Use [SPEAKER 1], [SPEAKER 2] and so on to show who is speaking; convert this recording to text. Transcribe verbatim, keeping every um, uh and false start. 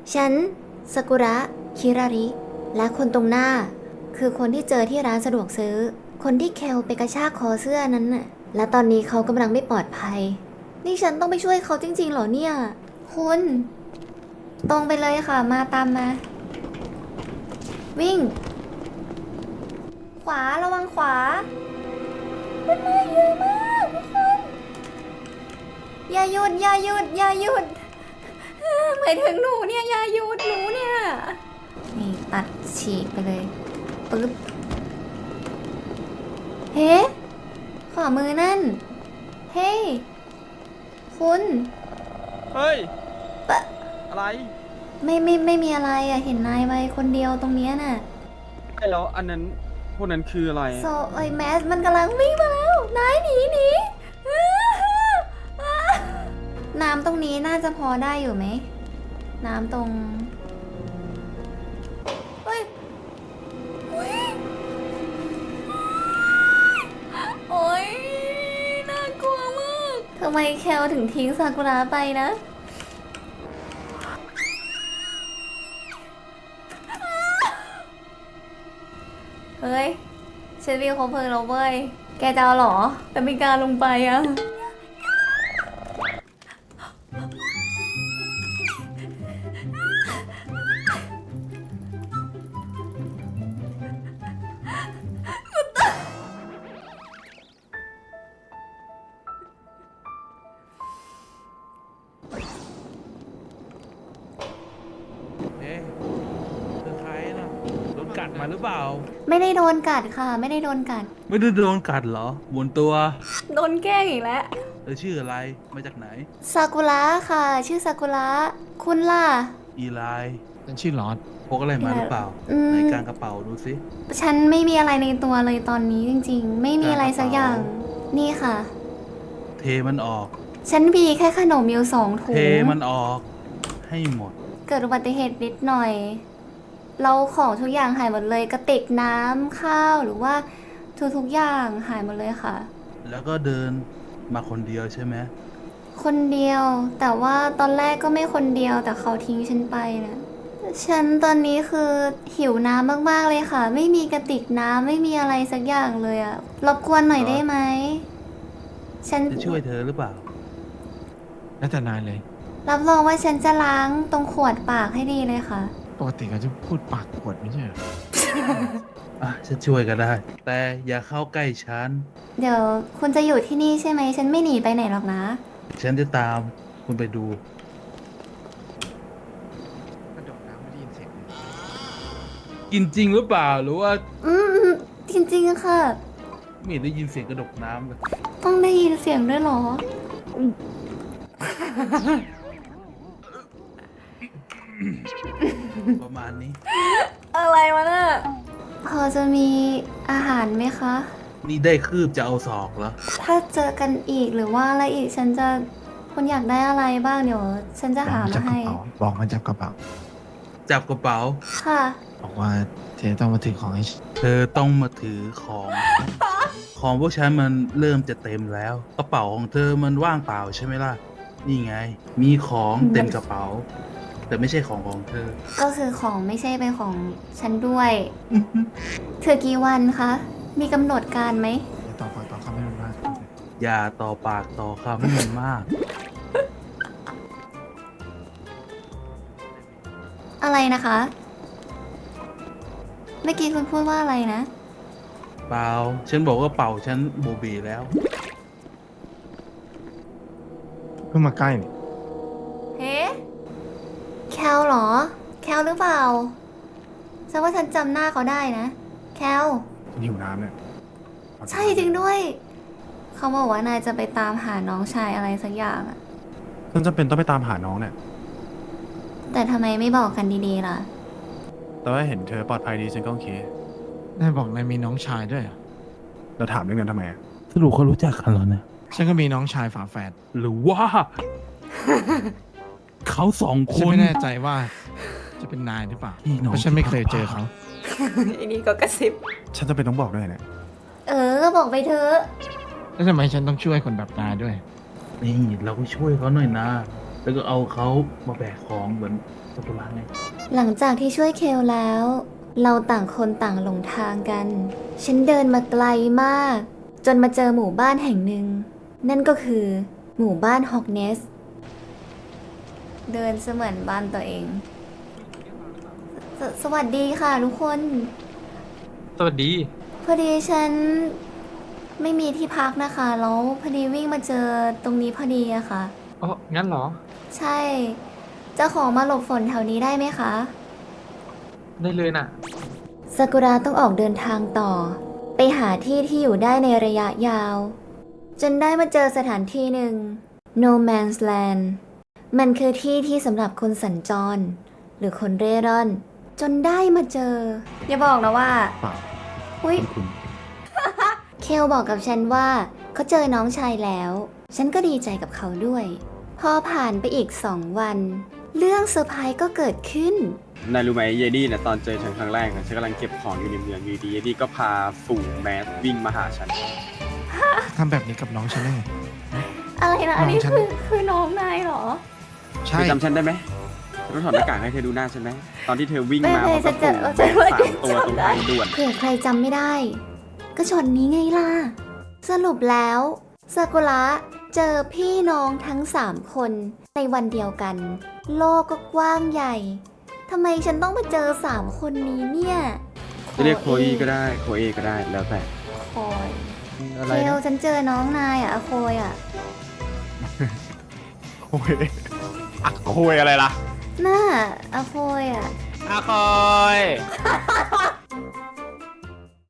[SPEAKER 1] ฉันซากุระคิราริและคนตรงหน้า คือคนที่เจอที่ร้านสะดวกซื้อ คนที่เคลไปกระชากคอเสื้อนั้นน่ะและตอนนี้เขากำลังไม่ปลอดภัย นี่ฉันต้องไปช่วยเขาจริงๆเหรอเนี่ย คุณ ตรงไปเลยค่ะ มาตามมา วิ่ง ขวาระวังขวามันมาเยอะมากทุกคน อย่าหยุดอย่าหยุดอย่าหยุดหมายถึงหนูเนี่ยอย่าหยุดหนูเนี่ยนี่ตัดฉีกไปเลยปึ๊บเฮ้ขวามือนั่นเฮ้คุณ
[SPEAKER 2] เฮ้ย
[SPEAKER 1] ปะ
[SPEAKER 2] อะไร
[SPEAKER 1] ไม่ไม่ไม่มีอะไรอะเห็นนายไว้คนเดียวตรงเนี้ยน่ะ
[SPEAKER 2] ไอ้แล้วอันนั้นพวกนั้นคืออะไร
[SPEAKER 1] โซไอแมสมันกำลังวิ่งมาแล้วนายหนีหนีน้ำตรงนี้น่าจะพอได้อยู่ไหมน้ำตรงเฮ้ยอุ๊ยโอ๊ยน่ากลัวมากทำไมแคลถึงทิ้งซากุระไปนะ เฮ้ยฉันมีคบเพลิงแล้วเว้ย แกจะเอาเหรอ แต่ไม่กล้าลงไปอะ
[SPEAKER 3] เอ๊ะเธอใครน่ะโดนกัดมาหรือเปล่า
[SPEAKER 1] ไม่ได้โดนกัดค่ะ ไม่ได้โดนกัด
[SPEAKER 3] ไม่ได้โดนกัดเหรอหมุนตัว
[SPEAKER 1] โดนแกล้งอีกแล้ว
[SPEAKER 3] เธอชื่ออะไร มาจากไหน
[SPEAKER 1] ซากุระค่ะ ชื่อซากุระ คุณล่ะ
[SPEAKER 3] อีไล
[SPEAKER 4] ฉันชื่อลอด
[SPEAKER 3] พกอะไรมาหรือเปล่า
[SPEAKER 1] อืม
[SPEAKER 3] ในกลางกระเป๋าดูสิ
[SPEAKER 1] ฉันไม่มีอะไรในตัวเลยตอนนี้จริงๆ ไม่มีอะไรสักอย่าง นี่ค่ะ
[SPEAKER 3] เทมันออก
[SPEAKER 1] ฉันมีแค่ขนมอยู่สองถุ
[SPEAKER 3] เท
[SPEAKER 1] ง
[SPEAKER 3] มันออก ให้หมด
[SPEAKER 1] เกิดอุบัติเหตุนิดหน่อย เราของทุกอย่างหายหมดเลย กระติกน้ำข้าวหรือว่าทุกๆอย่างหายหมดเลยค่ะ
[SPEAKER 3] แล้วก็เดินมาคนเดียวใช่ไหม
[SPEAKER 1] คนเดียว แต่ว่าตอนแรกก็ไม่คนเดียว แต่เขาทิ้งฉันไปนะฉันตอนนี้คือหิวน้ำมากๆเลยค่ะ ไม่มีกระติกน้ำไม่มีอะไรสักอย่างเลยอะรบกวนหน่อยได้ไหมฉัน
[SPEAKER 3] จะช่วยเธอหรือเปล่า
[SPEAKER 4] แล้วแต่นายเลย
[SPEAKER 1] รับรองว่าฉันจะล้างตรงขวดปากให้ดีเลยค่ะ
[SPEAKER 4] ปกติเขาจะพูดปากขวดไม่ใช่เหรอ
[SPEAKER 3] อ่ะฉันช่วยก็ได้ แต่อย่าเข้าใกล้ฉัน
[SPEAKER 1] เดี๋ยวคุณจะอยู่ที่นี่ใช่ไหม ฉันไม่หนีไปไหนหรอกนะ
[SPEAKER 3] ฉันจะตามคุณไปดู
[SPEAKER 4] กระโดดน้ำไม่ได้ยินเสียงเลย
[SPEAKER 3] กินจริงหรือเปล่า หรือว่า
[SPEAKER 1] อืมจริงๆค่ะ
[SPEAKER 3] ไม่ได้ยินเสียงกระดกน้ำเลย
[SPEAKER 1] ต้องได้ยินเสียงด้วยเหรอ
[SPEAKER 3] ประมาณนี้
[SPEAKER 1] อะไรวะน่ะพอจะมีอาหารไหมคะ
[SPEAKER 3] นี่ได้คืบจะเอาศอกเหรอ
[SPEAKER 1] ถ้าเจอกันอีกหรือว่าอะไรอีกฉันจะคุณอยากได้อะไรบ้างเดี๋ยว ฉันจะ
[SPEAKER 4] บอก
[SPEAKER 1] หา
[SPEAKER 4] มันจั
[SPEAKER 1] มา
[SPEAKER 4] บกระ
[SPEAKER 1] ให้
[SPEAKER 4] เป๋าบอกมันจับกระเป๋า
[SPEAKER 3] จับกระเป๋า
[SPEAKER 1] ค่ะ
[SPEAKER 4] บอกว่าเธอต้องมาถือของให้ฉัน
[SPEAKER 3] เธอต้องมาถือของ ของพวกฉันมันเริ่มจะเต็มแล้ว กระเป๋าของเธอมันว่างเปล่าใช่ไหมล่ะ นี่ไง มีของเต็มกระเป๋า แต่ไม่ใช่ของของเธอ
[SPEAKER 1] ก็คือของไม่ใช่เป็นของฉันด้วย เธอกี่วันคะ มีกำหนดการไหม
[SPEAKER 4] อย่าต่อปากต่อคำให้มันมาก
[SPEAKER 3] อย่าต่อปากต่อคำให้มันมาก
[SPEAKER 1] อะไรนะคะ เมื่อกี้คุณพูดว่าอะไรนะ
[SPEAKER 3] เปล่า ฉันบอกว่าเป่าฉันโบเบแล้ว
[SPEAKER 4] เพิ่งมาใกล้นี่
[SPEAKER 1] เฮ้แคลเหรอ แคลหรือเปล่าฉันว่าฉันจำหน้าเขาได้นะ แคล
[SPEAKER 4] ฉันหิวน้ำเนี่ย
[SPEAKER 1] ใช่จริงด้วย เขาบอกว่านายจะไปตามหาน้องชายอะไรสักอย่างอะ
[SPEAKER 5] ฉันจำเป็นต้องไปตามหาน้องเนี่ย
[SPEAKER 1] แต่ทำไมไม่บอกกันดีๆล่ะ
[SPEAKER 5] แต่ว่าเห็นเธอปลอดภัยดีฉันก็โอเคน
[SPEAKER 4] ายบอกนายมีน้องชายด้วยเหรอ
[SPEAKER 5] เราถามเรื่องนั้นทำไมอะ
[SPEAKER 3] สรุปเขารู้จักกันเหรอเนี่ย
[SPEAKER 4] ฉันก็มีน้องชายฝาแฝด
[SPEAKER 3] หรือว่า เขาสองค
[SPEAKER 4] ฉัน
[SPEAKER 3] น
[SPEAKER 4] ไม่แน่ใจว่าจะเป็นนายหรือเปล่า
[SPEAKER 3] พี่น้อง
[SPEAKER 4] เพราะฉันไม่เคยเจอเขา
[SPEAKER 1] อันนี้ก็กระซิบ
[SPEAKER 5] ฉันจะเป็นต้องบอกด้วยเนี่ย
[SPEAKER 1] เออ ก็บอกไปเถอะ
[SPEAKER 4] แล้วทำไมฉันต้องช่วยคนแบบนายด้วย
[SPEAKER 3] นี่เราก็ช่วยเขาหน่อยนะ แล้วก็เอาเขามาแบกของเหมือนากุระไง
[SPEAKER 1] หลังจากที่ช่วยเคลแล้ว เราต่างคนต่างหลงทางกัน ฉันเดินมาไกลมาก จนมาเจอหมู่บ้านแห่งหนึ่ง นั่นก็คือ หมู่บ้านฮอกเนส เดินเสมือนบ้านตัวเองสสวัสดีค่ะทุกคน
[SPEAKER 6] สวัสดี
[SPEAKER 1] พอดีฉันไม่มีที่พักนะคะ แล้วพอดีวิ่งมาเจอตรงนี้พอดีอะค่ะ
[SPEAKER 6] อ๋อ งั้นเหรอ
[SPEAKER 1] ใช่ จะขอมาหลบฝนแถวนี้ได้ไหมคะ
[SPEAKER 6] ได้เลยน่ะ
[SPEAKER 1] ซากุระต้องออกเดินทางต่อ ไปหาที่ที่อยู่ได้ในระยะยาว จนได้มาเจอสถานที่หนึ่ง No Man's Land มันคือที่ที่สำหรับคนสัญจร หรือคนเร่ร่อน จนได้มาเจอ อย่าบอกนะว่า
[SPEAKER 5] เปล่า
[SPEAKER 1] อุ้ย
[SPEAKER 5] คุณ
[SPEAKER 1] เคลบอกกับฉันว่าเขาเจอน้องชายแล้ว ฉันก็ดีใจกับเขาด้วย พอผ่านไปอีกสองวัน เรื่องเซอร์ไพรส์ก็เกิดขึ้น
[SPEAKER 2] นายรู้ไหมเยดี้เนี่ยตอนเจอฉันครั้งแรกอะฉันกำลังเก็บของอยู่ในเมืองอยู่ดีเยดี้ก็พาฝูงแมสวิ่งมาหาฉัน
[SPEAKER 4] ทำแบบนี้กับน้องฉันได้ไง
[SPEAKER 1] อะไรนะ อันนี้
[SPEAKER 4] น้องฉัน
[SPEAKER 1] คือคือน้องนายเหรอ
[SPEAKER 4] ใช่
[SPEAKER 2] เธอจำฉันได้ไหมฉันต้องถอดหน้ากากให้เธอดูหน้าฉันไหมตอนที่เธอวิ่ง
[SPEAKER 1] ไม่
[SPEAKER 2] มา
[SPEAKER 1] ไม่
[SPEAKER 2] พร้อมกับ
[SPEAKER 1] จะ
[SPEAKER 2] ฝูง
[SPEAKER 1] จะ
[SPEAKER 2] แมสสามตัวตรงทางด่วน
[SPEAKER 1] เผื่อใครจำไม่ได้ ก็ช็อตนี้ไงล่ะ สรุปแล้วซากุระเจอพี่น้องทั้งสามคนในวันเดียวกัน โลกก็กว้างใหญ่ทำไมฉันต้องมาเจอสามคนนี้เนี่ย
[SPEAKER 2] จะเรียกโคอีก็ได้โคเอก็ได้แล้วแต่
[SPEAKER 1] โคย
[SPEAKER 2] อะไร
[SPEAKER 1] เคล
[SPEAKER 2] นะ
[SPEAKER 1] ฉันเจอน้องนายอ่ะอะโคยอ่ะ
[SPEAKER 5] โอ้ยอะโคยอะไรล่ะ
[SPEAKER 1] น่าอะโคยอ่ะ
[SPEAKER 7] อาคอย